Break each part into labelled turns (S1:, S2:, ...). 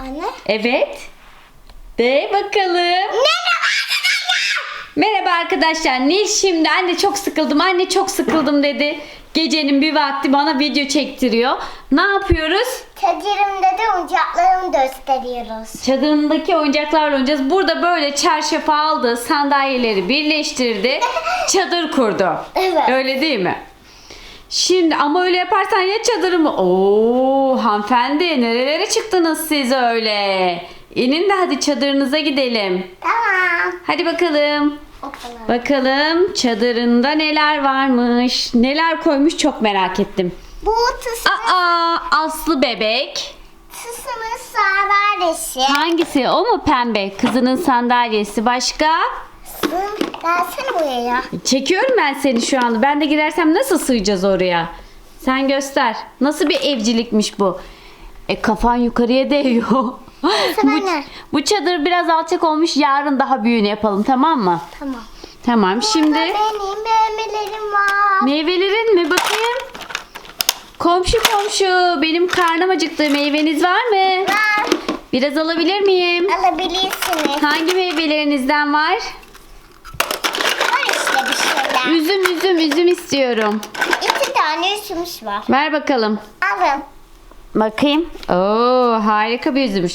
S1: Anne.
S2: Evet. De bakalım. Merhaba arkadaşlar. Nil şimdi anne çok sıkıldım dedi. Gecenin bir vakti bana video çektiriyor. Ne yapıyoruz?
S1: Çadırımda da oyuncaklarımı gösteriyoruz.
S2: Çadırındaki oyuncaklarla oynayacağız. Burada böyle çarşafı aldı, sandalyeleri birleştirdi, çadır kurdu.
S1: Evet.
S2: Öyle değil mi? Şimdi ama öyle yaparsan ya çadırımı... Oo hanımefendi nerelere çıktınız siz öyle? İnin de hadi çadırınıza gidelim.
S1: Tamam.
S2: Hadi bakalım.
S1: Bakalım.
S2: Bakalım çadırında neler varmış. Neler koymuş çok merak ettim.
S1: Bu tısının
S2: Aslı bebek.
S1: sandalyesi.
S2: Hangisi? O mu pembe? Kızının sandalyesi. Başka?
S1: Gelsene buraya.
S2: Çekiyorum ben seni şu anda. Ben de girersem nasıl sığacağız oraya? Sen göster. Nasıl bir evcilikmiş bu? Kafan yukarıya değiyor. bu çadır biraz alçak olmuş. Yarın daha büyüğünü yapalım, tamam mı?
S1: Tamam.
S2: Tamam. Şimdi
S1: Benim meyvelerim var.
S2: meyvelerin mi? Bakayım. Komşu benim karnım acıktı. Meyveniz var mı?
S1: Var.
S2: Biraz alabilir miyim?
S1: Alabilirsiniz.
S2: Hangi meyvelerinizden var?
S1: Var işte bir şeyler.
S2: Üzüm istiyorum.
S1: 2 tane üzümüş var.
S2: Ver bakalım.
S1: Alın.
S2: Bakayım. Oo, harika bir üzümmüş.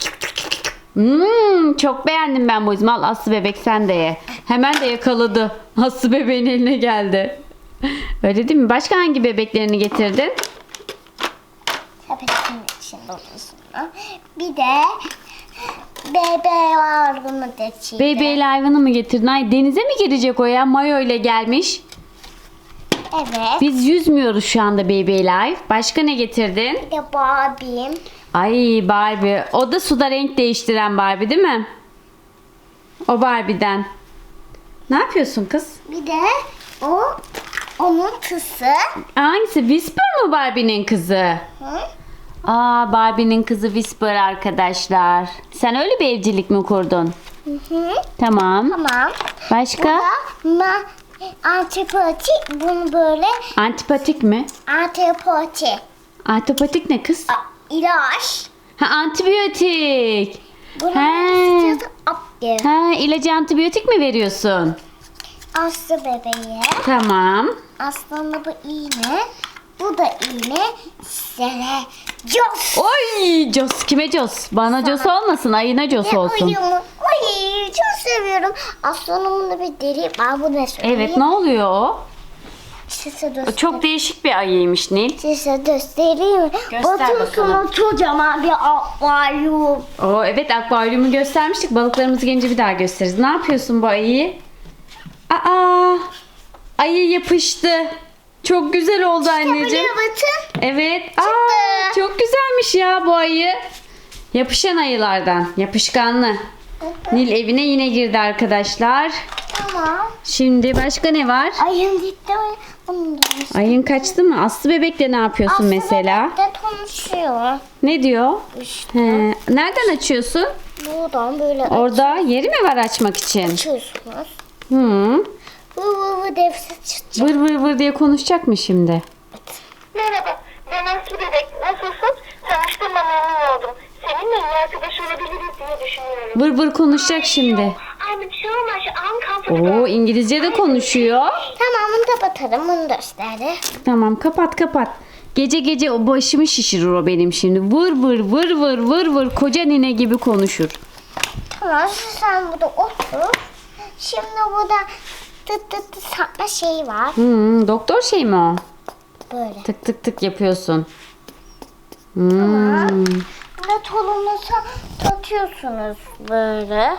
S2: Çok beğendim ben bu üzümü. Al Aslı bebek sen de ye. Hemen de yakaladı. Aslı bebeğin eline geldi. Öyle değil mi? Başka hangi bebeklerini getirdin?
S1: Sepetin içinde olsun. Bir de bebe var bunu da içinde.
S2: Bebeğiyle hayvanı mı getirdin? Ay denize mi girecek o ya? Mayo ile gelmiş.
S1: Evet.
S2: Biz yüzmüyoruz şu anda Baby Life. Başka ne getirdin?
S1: Bir de Barbie'm.
S2: Ay Barbie. O da suda renk değiştiren Barbie değil mi? O Barbie'den. Ne yapıyorsun kız?
S1: Bir de onun kızı.
S2: Hangisi? Whisper mı Barbie'nin kızı?
S1: Hı?
S2: Barbie'nin kızı Whisper arkadaşlar. Sen öyle bir evcilik mi kurdun?
S1: Hı.
S2: Tamam.
S1: Tamam.
S2: Başka?
S1: Bu da antipatik. Bunu böyle
S2: Antipatik mi?
S1: antipatik.
S2: Antipatik ne kız?
S1: İlaç.
S2: Antibiyotik.
S1: Bunu
S2: He.
S1: aptı.
S2: İlacı antibiyotik mi veriyorsun?
S1: Aslı bebeğe.
S2: Tamam.
S1: Aslında bu iğne. Bu da iğne. Sele. Jos.
S2: Oy Jos kime Jos? Bana Jos olmasın, ayına Jos olsun.
S1: Uyumu. Ay çok seviyorum. Aslanımın da bir deri var. Bu ne söyleyeyim?
S2: Evet, ne oluyor o?
S1: Size
S2: O
S1: göstereyim.
S2: çok değişik bir ayıymış Nil.
S1: Size göstereyim mi?
S2: Göster
S1: Bakın
S2: bakalım.
S1: kocaman bir akvaryum.
S2: Evet, akvaryumu göstermiştik. Balıklarımızı gelince bir daha gösteririz. Ne yapıyorsun bu ayıyı? Ayı yapıştı. Çok güzel oldu anneciğim.
S1: Buraya bakın.
S2: Evet. Çok güzelmiş ya bu ayı. Yapışan ayılardan. Yapışkanlı. Nil evine yine girdi arkadaşlar.
S1: Tamam.
S2: Şimdi başka ne var?
S1: Ayın gitti. Bunu da
S2: Ayın kaçtı mı? Aslı bebekle ne yapıyorsun mesela?
S1: de konuşuyor.
S2: Ne diyor?
S1: İşte
S2: Nereden açıyorsun?
S1: buradan böyle
S2: Orada yeri mi var açmak için?
S1: açıyorsunuz.
S2: Hı.
S1: Bu defse çıkacak.
S2: Vır vır vır diye konuşacak mı şimdi?
S3: Merhaba, ben Aslı Bebek. Nasılsın? Tanıştığıma memnun oldum. Seninle iyi arkadaş olabiliriz diye düşünüyorum.
S2: Vır vır konuşacak şimdi.
S3: I'm so much uncomfortable.
S2: Oo, İngilizce de konuşuyor.
S1: Tamam bunu da batarım. Bunu gösterdi.
S2: Tamam, kapat. Gece gece o başımı şişirir o benim şimdi. Vır vır vır vır vır vır koca nine gibi konuşur.
S1: Tamam sen burada otur. Şimdi burada tıt satma şeyi var.
S2: Doktor şey mi o?
S1: Böyle.
S2: Tık tık tık yapıyorsun.
S1: Burada tolunuza takıyorsunuz böyle.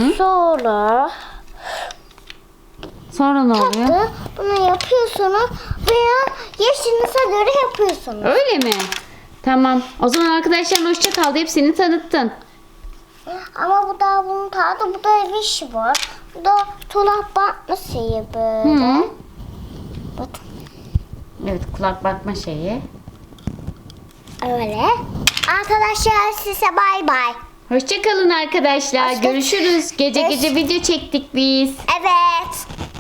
S2: Sonra ne oluyor?
S1: Bunu yapıyorsunuz veya yaşınıza göre yapıyorsunuz.
S2: Öyle mi? Tamam. O zaman arkadaşlar hoşça kal deyip seni tanıttın.
S1: Ama bu da bunun tadı, bu da ev işi var. Bu da tulak bakma şeyi böyle. Bakın
S2: Evet, kulak bakma şeyi.
S1: öyle. Arkadaşlar size bay bay.
S2: Hoşça kalın arkadaşlar.
S1: Hoşça-
S2: Görüşürüz. Gece gece video çektik biz.
S1: Evet.